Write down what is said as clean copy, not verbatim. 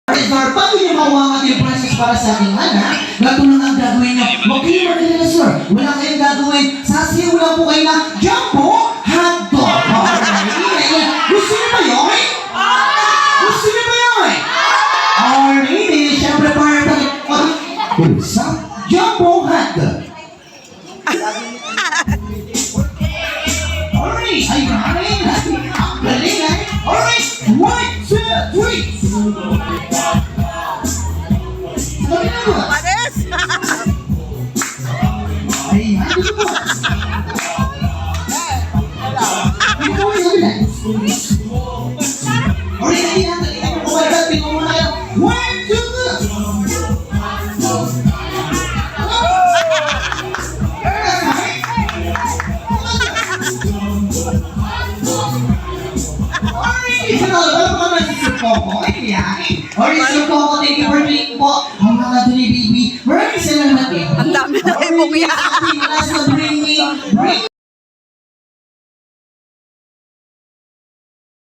Sir, paano niyo makuha ang ating process para sa aking anak? Gato lang ang gagawin niyo. Huwag kayo magdala, sir. Wala kayong gagawin. Sasiyaw lang po kayo na Jumbo Hotdog. Alright. Gusto niyo ba yun? Gusto niyo ba yun? Alright. Siyempre, para tayo. Sa Jumbo Hotdog. Alright. Ay, galing. Ang galing, eh. Alright. 1, 2, 3. Pares! Ay, ano ba? Ito ay sabi na. Alright, hindi natin. Ito ko kumalagat. Tingnan mo na kayo. 1, 2. Alright, isa na. Wala pa naman si Sir Coco. Ay, kaya. Alright, Sir Coco, thank you for playing po. Ang mga dali, baby. Maraming salamat eh. Ang dami na ibong yan. Bring me